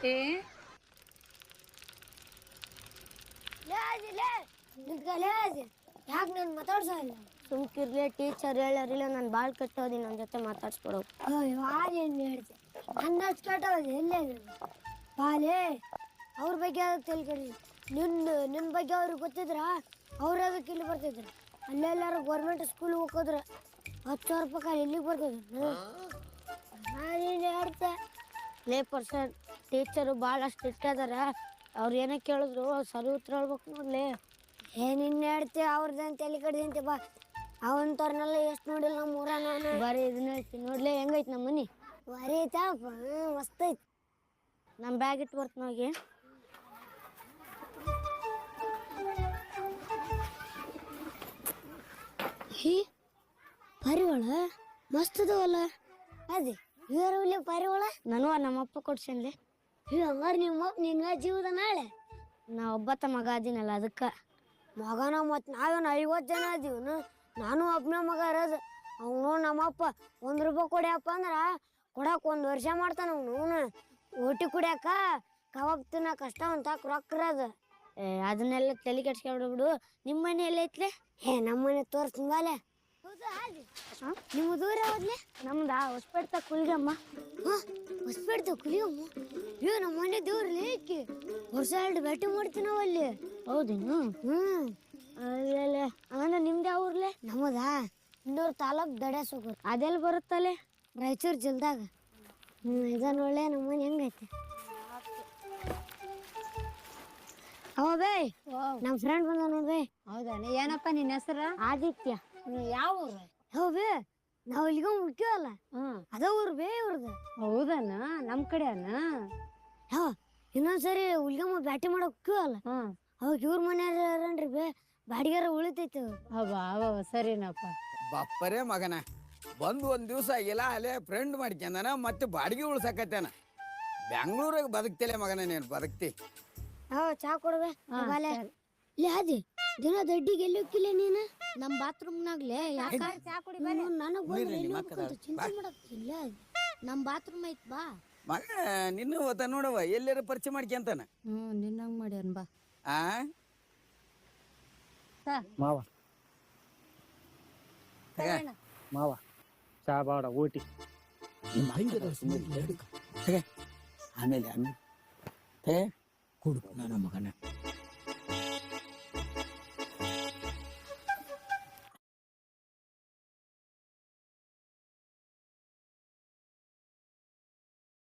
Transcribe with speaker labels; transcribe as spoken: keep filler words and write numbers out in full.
Speaker 1: ಏ
Speaker 2: ಯಾಕೆ ನಾನು ಮಾತಾಡ್ಸೋ ಇಲ್ಲ ಸುಮ್ಕಿರ್ಲಿ ಟೀಚರ್ ಹೇಳರಿಲ್ಲ ನಾನು ಬಾಳ್ ಕೆಟ್ಟೋದಿ ನನ್ನ ಜೊತೆ ಮಾತಾಡ್ಸ್ಕೊಡೋ ಏನ್ ಹೇಳ್ತೆ ನನ್ನ ಅಷ್ಟು ಕೆಟ್ಟೋದಿ ಎಲ್ಲೇ ಬಾಲೇ ಅವ್ರ ಬಗ್ಗೆ ಅದಕ್ಕೆ ತಲೆ ಕಡಿ ನಿನ್ನ ನಿನ್ನ ಬಗ್ಗೆ ಅವ್ರಿಗೆ ಗೊತ್ತಿದ್ರ ಅವ್ರ ಅದಕ್ಕೆ ಇಲ್ಲಿ ಬರ್ತಿದ್ರು ಅಲ್ಲೆಲ್ಲಾರು ಗೌರ್ಮೆಂಟ್ ಸ್ಕೂಲ್ ಹೋಗೋದ್ರ ಹತ್ತು ಸಾವಿರ ರೂಪಾಯಿ ಇಲ್ಲಿಗೆ ಬರ್ತಿದ್ರು ನಾನೇನು ಹೇಳ್ತೆ ಲೇ ಪರ್ಸೆಂಟ್ ಟೀಚರು ಭಾಳಷ್ಟು ಇಟ್ಟದಾರ ಅವ್ರು ಏನೇ ಕೇಳಿದ್ರು ಸರಿ ಉತ್ತರ ಹೇಳ್ಬೇಕು ನೋಡ್ಲಿ ಏನಿನ್ನ ಹೇಳ್ತೆ ಅವ್ರದಂತ ತಲೆ ಕಡ್ದಂತೆ ಬಾ ಅವಂತವ್ರನ್ನೆಲ್ಲ ಎಷ್ಟು ನೋಡಿಲ್ಲ ನಮ್ಮ ಊರ ನಾನು ಬರೀ ಇದನ್ನ ಹೇಳ್ತೀನಿ ನೋಡ್ಲಿ ಹೆಂಗೈತಿ ನಮ್ಮ ಮನೆ ಬರೀ ಐತಪ್ಪ ಮಸ್ತ್ ಐತಿ ನಮ್ಮ ಬ್ಯಾಗ್ ಇಟ್ಟು ಬರ್ತೀನಿ ಹೋಗಿ ಹೀ ಪರಿವಳ ಮಸ್ತ್ ಅದಾವಲ್ಲ ಅದೇ ಇವರಲ್ಲಿ ಪರಿವಳ ನಾನು ನಮ್ಮಪ್ಪ ಕೊಡ್ಸನ್ಲಿ ಹೀ ಹಂಗಾರೆ ನಿಮ್ಮಪ್ಪ ನಿನ್ನ ಜೀವದ ನಾಳೆ ನಾ ಒಬ್ಬತ್ತ ಮಗ ಅದೀನಲ್ಲ ಅದಕ್ಕೆ ಮಗನ ಮತ್ತು ನಾವೇನು ಐವತ್ತು ಜನ ಅದೀವನು ನಾನು ಒಬ್ಬನ ಮಗ ಇರೋದು ಅವನು ನಮ್ಮಪ್ಪ ಒಂದು ರೂಪಾಯಿ ಕೊಡ್ಯಪ್ಪ ಅಂದ್ರೆ ಕೊಡಕ್ಕೆ ಒಂದು ವರ್ಷ ಮಾಡ್ತಾನ ಅವನು ಓಟಿ ಕುಡಿಯಾಕ ಕಬಾಬ್ ತಿನ್ನಕ ಕಷ್ಟ ಅಂತ ರೊಕ್ಕ ಇರೋದು ಏ ಅದನ್ನೆಲ್ಲ ತಲೆ ಕೆಡ್ಸ್ಕೊಂಡ್ಬಿಡು ನಿಮ್ಮ ಮನೆ ಎಲ್ಲ ಐತ್ಲೆ ಏ ನಮ್ಮ ಮನೆ ತೋರಿಸ್ತಿಂಗಾಲೆ ನಿಮ್ಮ ದೂರ ಹೋದ್ಲೆ ನಮ್ದಾ ಹೊಸಪೇಟೆ ಕುಲ್ಗಮ್ಮ ಹಾಂ ಹೊಸಪೇಟೆ ಕುಲಿಯಮ್ಮ ಅಯ್ಯೋ ನಮ್ಮ ಮನೆ ದೇವ್ರಲ್ಲಿ ಏಕೆ ವರ್ಷ ಎರಡು ಭೇಟಿ ಮಾಡ್ತೀವಿ ನಾವು ಅಲ್ಲಿ ಹೌದೇನು ಹ್ಞೂ ಅಲ್ಲ ಅಂದ್ರೆ ನಿಮ್ದು ಯಾವ ಊರ್ಲೆ ನಮ್ಮದಾ ಇನ್ನೂರು ತಾಲೂಕು ದಡ್ಯಾಸೋಗರು ಅದೆಲ್ಲಿ ಬರುತ್ತಲ್ಲೇ ರಾಯಚೂರು ಜಿಲ್ದಾಗ ಹ್ಞೂ ಇದನ್ನ ಒಳ್ಳೆ ನಮ್ಮ ಮನೆ ಹೆಂಗೈತೆ ಅವ ಬೇ ನಮ್ಮ ಫ್ರೆಂಡ್ ಬಂದ ನೋಡ್ಬೇ
Speaker 1: ಹೌದಾನೆ ಏನಪ್ಪ ನಿನ್ನ ಹೆಸರು
Speaker 2: ಆದಿತ್ಯ
Speaker 1: ಯಾವ ಊರು
Speaker 2: ಹೌ ಬೇ ನಾವು ಇಲ್ಲಿಗ ಮುಖ್ಯವಲ್ಲ
Speaker 1: ಹ್ಮ್
Speaker 2: ಅದ ಊರು ಬೇ ಇವ್ರದ್ದು
Speaker 1: ಹೌದನ ನಮ್ ಕಡೆ ಅನ
Speaker 2: ಹಾ ಇನ್ನೊಂದ್ಸರಿ ಹುಲ್ಗಮ್ಮ ಬ್ಯಾಟಿ ಮಾಡಕ್ ಹೋಗ್ಯವಲ್ಲ
Speaker 1: ಹ್ಮ್
Speaker 2: ಅವಾಗ ಇವ್ರ ಮನೆಯವ್ರನ್ರಿ ಬೇ ಬಾಡಿಗಾರ ಉಳಿತೈತಿ
Speaker 1: ಅವ ಅವ ಸರಿನಪ್ಪ
Speaker 3: ಬಪ್ಪರೇ ಮಗನ ಬಂದು ಒಂದು ದಿವಸ ಆಗಿಲ್ಲ ಅಲ್ಲೇ ಫ್ರೆಂಡ್ ಮಾಡ್ಕೊಂಡನ ಮತ್ತೆ ಬಾಡಿಗೆ ಉಳ್ಸಕತ್ತೇನ ಬೆಂಗಳೂರಾಗ ಬದುಕ್ತಿಲ್ಲ ಮಗನ ನೀನು ಬದುಕ್ತಿ
Speaker 2: ಹಾ ಚಾ ಕೊಡ್ಬೇ ಲೇ ಅದಿ ದಿನ ದಡ್ಡಿಗೆ ಎಲ್ಲಿ ಹೋಗಿಲ್ಲ ನೀನು ನಮ್ಮ ಬಾತ್ರೂಮ್ನಾಗ್ಲೇ ಯಾಕ ಚಾ ಕುಡಿ ನನಗೆ ಬಂದ್ರೆ ಎಲ್ಲಿ ಹೋಗ್ಬೇಕಂತ ಚಿಂತೆ ಮಾಡಕ್ತಿಲ್ಲ ನಮ್ಮ ಬಾತ್ರೂಮ್ ಐತ್ ಬಾ
Speaker 3: ಮಗ ನಿನ್ನ ಓತ ನೋಡವ ಎಲ್ಲಾರ ಪರಿಚಯ ಮಾಡ್ಕೊಂತಾನ
Speaker 1: ಹ್ಮ್ ನಿನ್ನಂಗ್ ಮಾಡ್ಯಾನ ಬಾ
Speaker 3: ಆ
Speaker 4: ಮಾವ ಮಾವ ಚಾ ಬಾಡ ಊಟಿ
Speaker 3: ಆಮೇಲೆ ಆಮೇಲೆ ಕೊಡು ನನ್ನ ಮಗನ